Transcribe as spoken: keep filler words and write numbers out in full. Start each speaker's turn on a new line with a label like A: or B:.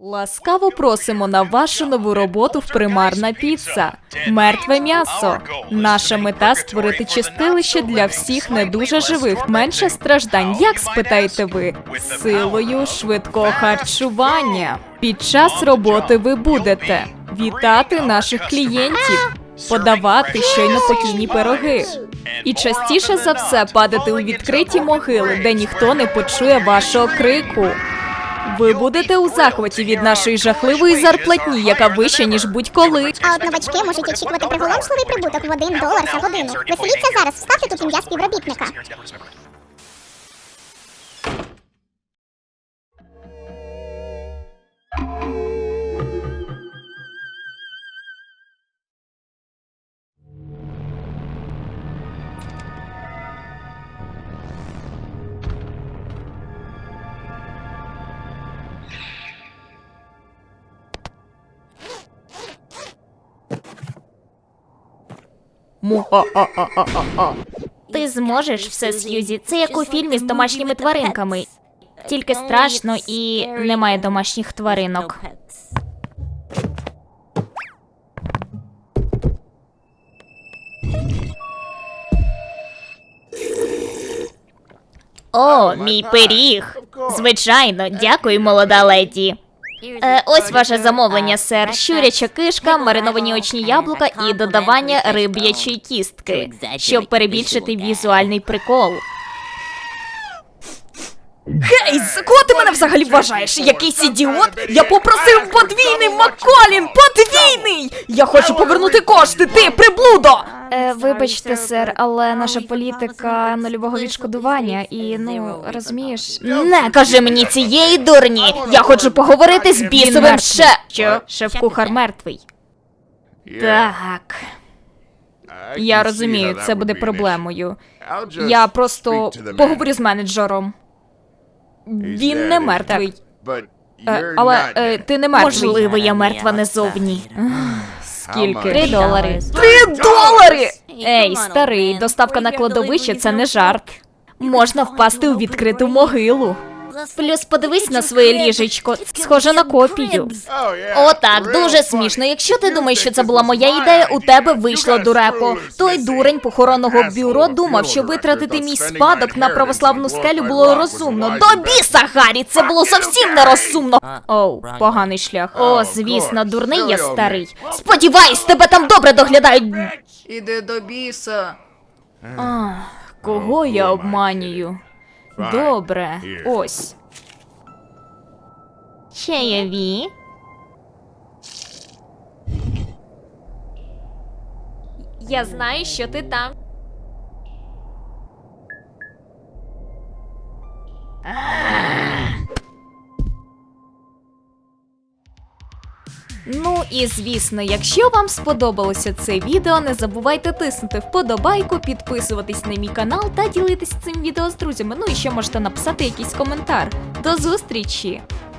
A: Ласкаво просимо на вашу нову роботу в Примарна Піца. Мертве м'ясо. Наша мета – створити чистилище для всіх не дуже живих. Менше страждань. Як, спитаєте ви? Силою швидкого харчування. Під час роботи ви будете вітати наших клієнтів, подавати щойно покійні пироги. І частіше за все падати у відкриті могили, де ніхто не почує вашого крику. Ви будете у захваті від нашої жахливої зарплатні, яка вища, ніж будь-коли.
B: А от новачки можуть очікувати приголомшливий прибуток в один долар за годину. Веселіться зараз, вставте тут ім'я співробітника.
A: Му-а-а-а-а-а.
C: Ти зможеш все, Сьюзі. Це як у фільмі з домашніми тваринками. Тільки страшно і немає домашніх тваринок. О, мій пиріг. Звичайно, дякую, молода леді. Е, ось ваше замовлення, сер. Щуряча кишка, мариновані очні яблука і додавання риб'ячої кістки, щоб перебільшити візуальний прикол.
A: Гей, за кого ти мене взагалі вважаєш? Якийсь ідіот? Я попросив подвійний Макколін! Подвійний! Я хочу повернути кошти, ти, приблудо!
C: Е, вибачте, сер, але наша політика нульового відшкодування і, ну, розумієш...
A: Не кажи мені цієї дурні! Я хочу поговорити з бісовим ше... Що? Шеф-кухар мертвий. Так. Я розумію, це буде проблемою. Я просто поговорю з менеджером. Він не мертвий. Е, але е, ти не мертвий.
C: Можливо, я мертва не зовні.
A: Скільки?
C: Три долари.
A: Три долари! Ей, старий, доставка на кладовище – це не жарт. Можна впасти у відкриту могилу.
C: Плюс подивись на своє ліжечко, схоже на копію.
A: О, так, дуже смішно. Якщо ти думаєш, що це була моя ідея, у тебе вийшло дурепо. Той дурень похоронного бюро думав, що витратити мій спадок на православну скелю було розумно. До біса, Гаррі, це було зовсім нерозумно. Оу, поганий шлях. О, звісно, дурний я старий. Сподіваюсь, тебе там добре доглядають.
D: Іди до біса.
A: Ах, кого я обманюю? Добре, ось.
C: Чайові.
A: Я знаю, що ти там. Ну і звісно, якщо вам сподобалося це відео, не забувайте тиснути вподобайку, підписуватись на мій канал та ділитись цим відео з друзями. Ну і ще можете написати якийсь коментар. До зустрічі!